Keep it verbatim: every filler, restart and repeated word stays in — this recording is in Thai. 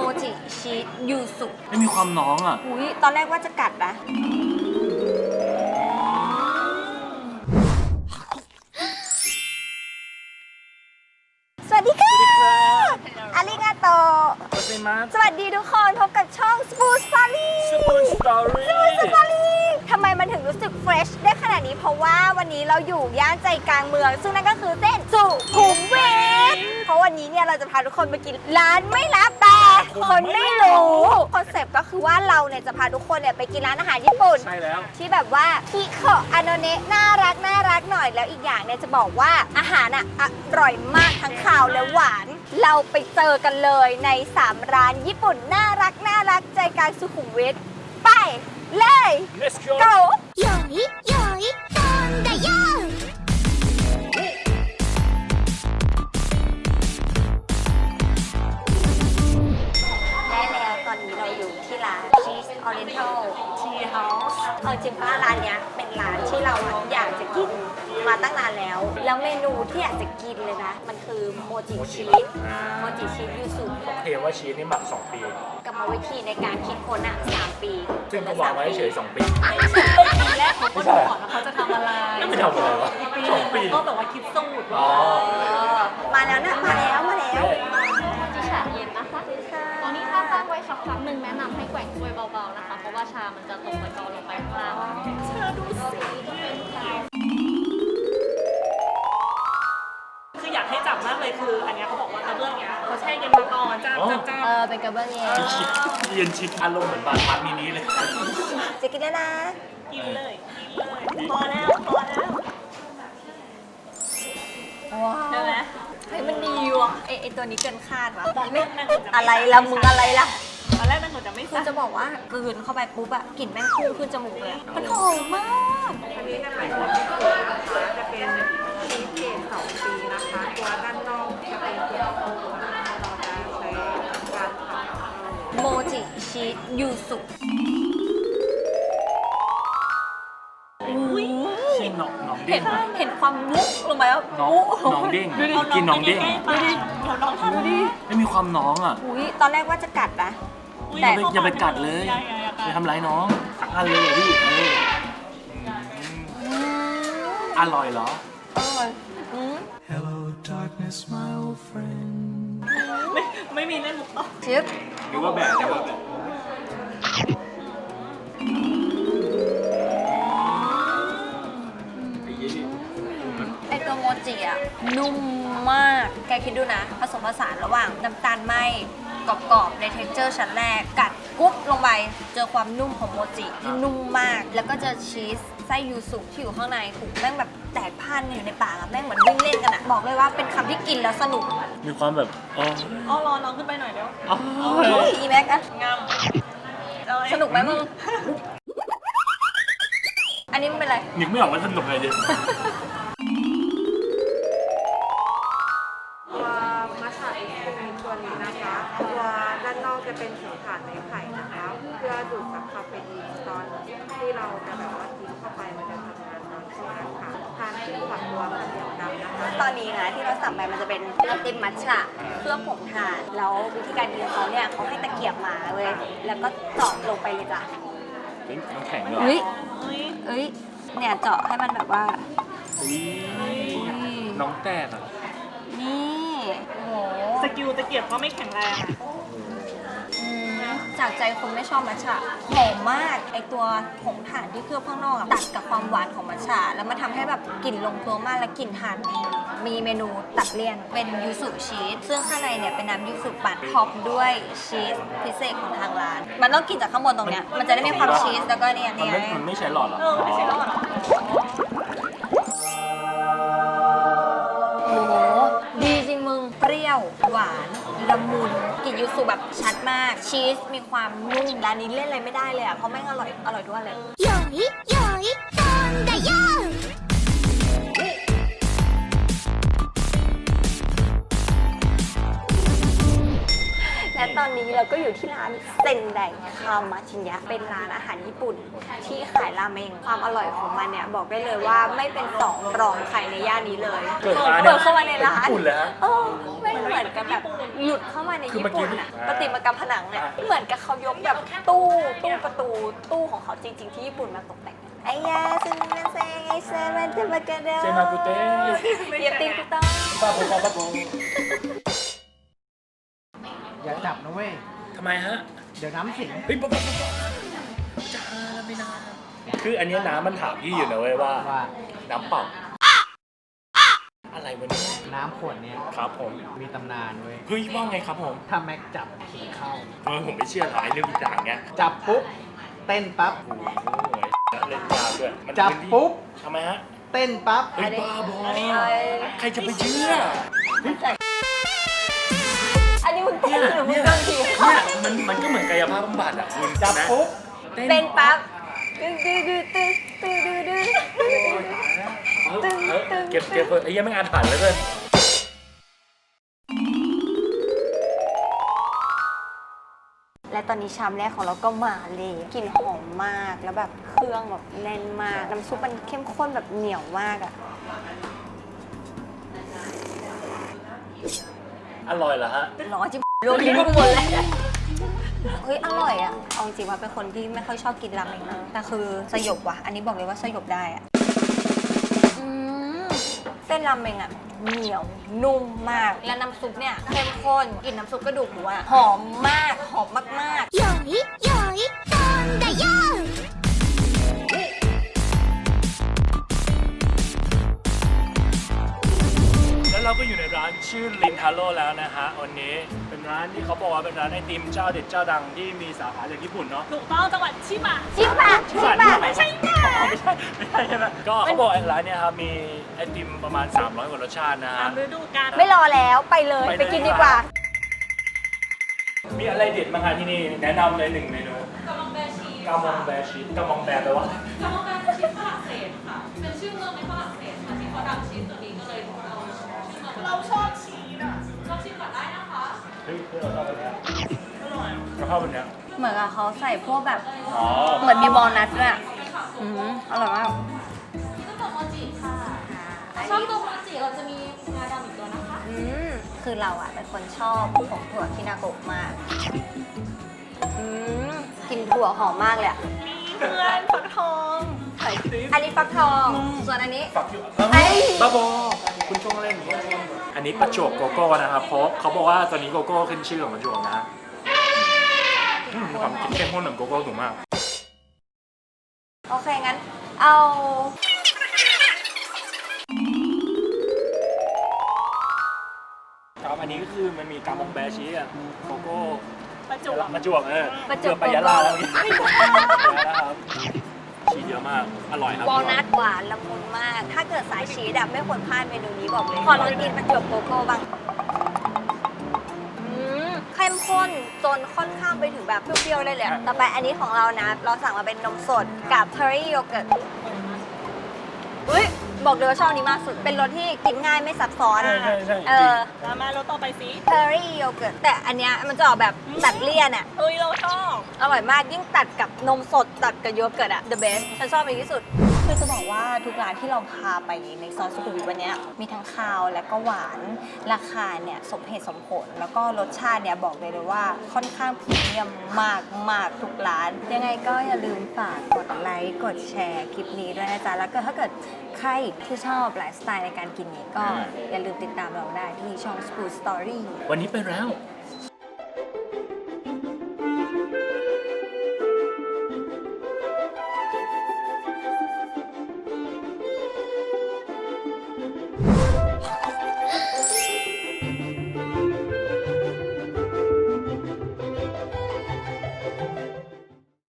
จิชีสยูสุไม่มีความน้องอ่ะอุ้ยตอนแรกว่าจะกัดนะสวัสดีค่ะอาริงาโตสวัสดีทุกคนพบกับช่อง Spoon Story Spoon Story Spoon Story ทำไมมันถึงรู้สึกเฟรชได้ขนาดนี้เพราะว่าวันนี้เราอยู่ย่านใจกลางเมืองซึ่งนั่นก็คือเส้นสุขุมวิทเพราะวันนี้เนี่ยเราจะพาทุกคนไปกินร้านไม่ลับแต่คนไม่รู้คอนเซปต์ก็คือว่าเราเนี่ยจะพาทุกคนเนี่ยไปกินร้านอาหารญี่ปุ่นใช่แล้วที่แบบว่าคิโคอาโนเนะน่ารักน่ารักหน่อยแล้วอีกอย่างเนี่ยจะบอกว่าอาหารอ่ะอร่อยมากทั้งข้าวและหวานเราไปเจอกันเลยในสามร้านญี่ปุ่นน่ารักน่ารักใจกลางสุขุมวิทไปเลย Let's go go よいよい飛んだよได้แล้วตอนนี้เราอยู่ที่ร้าน Cheese Oriental Tea House เอาจริงป้าร้านเนี้ยเป็นร้านที่เราอยากจะกินมาตั้งนานแล้ว แล้วเมนูที่อยากจะกินเลยนะ มันคือโมจิชีสโมจิชีสยูสุเทว่าชีสนี่หมักสองปีกรรมวิธีในการคิดค้นอ่ะสามปีซึ่งก็วางไว้เฉยสองปีปีแรกเขาก็ดูก่อนว่าเขาจะทำอะไรไม่ทำอะไรวะปีสองปีก็แบบว่าคิดสูตรอ๋อมาแล้วนะมาแล้วมาแล้วที่ชาเย็นนะคะ ตอนนี้ถ้าตั้งไว้สักพักหนึ่งแนะนำให้แกว่งถ้วยเบาๆนะคะ เพราะว่าชามันจะตกไปกองลงไปข้างล่างเชื่อดูสิคืออยากให้จับมากเลยคืออันนี้เขาบอกว่ากระเบื้องเนี้ยเขาแช่เย็นมาก่อนจ้าจ้าจ้าเออเป็นกระเบื้องเย็นชิดเย็นชิดอารมณ์เหมือนบานพักมินิเลยจะกินแล้วนะกินเลยกินเลยพอแล้วพอแล้วว้าวใช่ไหมเฮ้ยมันดีว่ะไอไอตัวนี้เกินคาดว่ะตอนแรกนั่งเหมือนจะอะไรละมึงอะไรล่ะตอนแรกนั่งเหมือนจะไม่คือจะบอกว่ากลืนเข้าไปปุ๊บอะกลิ่นแม่งพุ่งขึ้นจมูกเลยอะมันหอมมากอันนี้จะเป็นหัวที่สุดนะคะจะเป็นชีสเกรดสองปีนะคะ ตัวด้านนอกจะเป็นตัวโตนะคะเราจะใช้การเผาโมจิชีสยูสุชิมน้องน้องเห็เด้นงไหมเห็นความมุกลงไปแล้วน้องน้องเด้งกินน้องเด้งดูดิเดี๋ยวน้องทำดูดิไม่มีความน้องอ่ะอุ้ยตอนแรกว่าจะกัดนะอย่าไปอย่าไปกัดเลยอย่าทำร้ายน้องตักอันเลยพี่เอออร่อยเหรออร่อยอืม Hello, darkness, my old friend. ไม่ไม่มีเล่นมุกต่อชิปหรือว่าแบบหรือว่าแบบไอตัวโมจิอะนุ่มมาก แกคิดดูนะ ผสมผสานระหว่างน้ำตาลไหมกรอบๆในเท็กเจอร์ชั้นแรก กัดกุ๊บลงไป เจอความนุ่มของโมจิที่นุ่มมาก แล้วก็เจอชีสไส้ยูสุที่อยู่ข้างในถูกแม่งแบบแตกพันอยู่ในปากอะแม่งเหมือนวิ่งเล่นกันอะบอกเลยว่าเป็นคำที่กินแล้วสนุกมีความแบบอ๋ออ๋อรอน้องขึ้นไปหน่อยเดี๋ยวอ๋อเฮ้ยอีแม็กอะงามสนุกไหมมึง อันนี้มันเป็นอะไรนึกไม่ออกว่าสนุกอะไรเลยตัวมัสตาร์ดอิสเป็นตัวนี้นะคะ ตัวด้านนอกจะเป็นผิวฐานในไข่นะคะ เพื่อดูดซับคาเฟอีนตอนที่เราจะแบบว่ากินเข้าไปมันจะทำงานตอนช่วงนั้นค่ะทานคู่กับตัวข้าวเหนียวดำนะคะตอนนี้นะที่เราสั่งไปมันจะเป็นไอติมมัทฉะเครื่องผงถ่านแล้ววิธีการกินเขาเนี่ยเขาให้ตะเกียบมาเว้ยแล้วก็เจาะลงไปเลยจ้ะเป็นน้ำแข็งเหรอเฮ้ยเฮ้ยเอ้ยเนี่ยเจาะให้มันแบบว่าอุ๊ยน้องแตกอ่ะนี่โอ้โหสกิลตะเกียบก็ไม่แข็งแรงอะอืมจากใจคนไม่ชอบมัทฉะหอมมากไอตัวผงถ่านที่เคลือบข้างนอกอะตัดกับความหวานของมัทฉะแล้วมันทำให้แบบกลิ่นลงตัวมากและกลิ่นถ่านดีมีเมนูตัดเลี่ยนเป็นยูสุชีสซึ่งข้างในเนี่ยเป็นน้ำยูสุปั่นท็อปด้วยชีสพิเศษของทางร้าน มันต้องกินจากข้างบนตรงเนี้ยมันจะได้มีความชีสแล้วก็เนี่ยมันเนี่ยไม่มันไม่ใช้หลอดเหรอเออไม่ใช่แล้วเหรอโอ้โหดีจริงมึงเปรี้ยวหวานละมุนกลิ่นยูสุแบบชัดมากชีสมีความนุ่มร้านนี้เล่นอะไรไม่ได้เลยอ่ะเพราะแม่งอร่อยอร่อยทุกอันเลยよいよい飛んだよและตอนนี้เราก็อยู่ที่ร้านเซนไดคาวมาชินยะเป็นร้านอาหารญี่ปุ่นที่ขายราเมงความอร่อยของมันเนี่ยบอกได้เลยว่าไม่เป็นสองรองใครในย่านนี้เลยเปิดร้านเปิดเข้ามาในร้านญี่ปุ่นเลยฮะเออไม่เหมือนกับแบบหลุดเข้ามาในคือญี่เมื่อกี้ปุ่นอะอ่าประติมากรรมผนังเนี่ยเหมือนกับเขายกแบบตู้ตู้ประตูตู้ของเขาจริง ๆ ที่ญี่ปุ่นมาตกแต่งไอ้ยาซึมินาเซงไอเซมันเตมากาเดลเซมากุเต้เยตินกุต้าป้าโบป้าโบอย่าจับนะเว้ยทำไมฮะเดี๋ยวน้ำสิงเฮ้ยป้าป้าป้าจ้าไม่นานคืออันเนี้ยน้ำมันถามพี่อยู่นะเว้ยว่าว่าน้ำเปล่าอะไรวะเนี่ยน้ำขวดเนี้ยครับผมมีตำนานเว้ยเฮ้ยว่าไงครับผมถ้าแม็กจับผีเข้าเออผมไม่เชื่อหลายเรื่องทุกอย่างเงี้ยจับปุ๊บ เต้นปั๊บโอ้โหเล่นยาวด้วยมันจับพื้นที่ปุ๊บทำไมฮะเต้นปั๊บเฮ้ยบ้าบอใครจะไปเชื่ออันนี้มึงเต้นหรือมึงเนี่ยโดนผีเข้าเนี่ยมันมันก็เหมือนกายภาพบำบัดอ่ะคุณจับนะปุ๊บเป็นปั๊บตึ้งตึ้งตึ้งตึ้งตึ้งตึ้งตึ้งเออเออเก็บเก็บเถอะไอ้ยังไม่งานผ่านเลยเพื่อนและตอนนี้ชามแรกของเราก็มาเลยกลิ่นหอมมากแล้วแบบเครื่องแบบแน่นมากน้ำซุปมันเข้มข้นแบบเหนียวมากอะอร่อยเหรอฮะร้อนจิบโรยลิ้นกูหมดเลยเฮ้ยอร่อยอะเอาจริงๆว่าเป็นคนที่ไม่ค่อยชอบกินราเมงนะแต่คือสยบว่ะอันนี้บอกเลยว่าสยบได้อะอืมเส้นราเมงอะเหนียวนุ่มมากและน้ำซุปเนี่ยเข้มข้นกลิ่นน้ำซุปกระดูกหมูอะหอมมากหอมมากๆよいよい飛んだよแล้วเราก็อยู่ในร้านชื่อลินทาโร่แล้วนะฮะวันนี้เป็นร้านที่เขาบอกว่าเป็นร้านไอติมเจ้าเด็ดเจ้าดังที่มีสาขาจากญี่ปุ่นเนาะถูกต้องจังหวัดชิบะชิบะชิบะไม่ใช่ไม่ใช่ไม่ใช่ใช่ไหมก็เขาบอกไอ้ร้านเนี่ยครับมีไอติมประมาณสามร้อยกว่ารสชาตินะตาฮะมฤดูกาลไม่รอแล้วไปเลยไปเลยไปกินดีกว่ามีอะไรเด็ดบ้างคะที่นี่แนะนำเลยหนึ่งเมนูกามองแบชีกามองแบชีกามองแบแปลว่ากามองแบเป็นชีสฝรั่งเศสค่ะ เป็นชื่อเมืองในฝรั่งเศสค่ะที่เขาดังชีสตัวนี้ก็เลยเอาชื่อเมืองเราชอบชีสอ่ะลองชิมก่อนได้นะคะเฮ้ยเราชอบแบบเนี้ยเราชอบแบบเนี้ยเหมือนกับเขาใส่พวกแบบอ๋อเหมือนมีบอลนัทด้วยอะอืมอร่อยมากนี่ก็ตัวโมจิค่ะชอบตัวโมจิเราจะมีงาดำอีกตัวนะคะอืมคือเราอะเป็นคนชอบผงถั่วคินาโกะมาก อืมกลินถั่วหอมมากเลยอะเพื่อนฟักทองอันนี้ฟักทอง ส่วนอันนี้ฝักอยู่ไอ้บ้าบอคุณช่วงเล่นอันนี้ประจวบโกโก้นะครับเพราะเขาบอกว่าตอนนี้โกโก้ขึ้นชื่อของประจวบนะอืมความคิดเข้มข้นของโกโก้สูงมากโอเค งั้น เอาครับอันนี้ก็คือมันมีกามองแบชีสอะโกโก้ประจวบประจวบเออประจวบเกือบไปยะลาแล้วเนี่ยนะครับชีสเยอะมากอร่อยครับวอลนัทหวานละมุนมาก ถ้าเกิดสายชีสอะไม่ควรพลาดเมนูนี้บอกเลย ขอลองกินประจวบโกโก้บ้างอืมเข้มข้นจนค่อนข้างไปถึงแบบเปรี้ยวๆเลยเลยอะต่อไปอันนี้ของเรานะ เราสั่งมาเป็นนมสดกับเทอร์รี่โยเกิร์ตอุ้ยบอกเลยว่าชอบอันนี้มากสุด เป็นรสที่กินง่ายไม่ซับซ้อนใช่ใช่ใช่เออแล้วมารถต่อไปสิเทอร์รี่โยเกิร์ตแต่อันเนี้ยมันจะออกแบบตัดเลี่ยนอะเฮ้ยเราชอบอร่อยมากยิ่งตัดกับนมสดตัดกับโยเกิร์ตอะ the best ฉันชอบอันนี้ที่สุด คือจะบอกว่าทุกร้านที่เราพาไปในซอยสุขุมวิทวันเนี้ยมีทั้งคาวและก็หวานราคาเนี่ยสมเหตุสมผล แล้วก็รสชาติเนี่ยบอกเลยเลยว่าค่อนข้างพรีเมียมมากมากทุกร้าน ยังไงก็อย่าลืมฝากกดไลค์กดแชร์คลิปนี้ด้วยนะจ๊ะ แล้วก็ถ้าเกิดใครที่ชอบไลฟ์สไตล์ในการกินนี้ก็อย่าลืมติดตามเราได้ที่ช่อง School Story วันนี้ไปแล้ว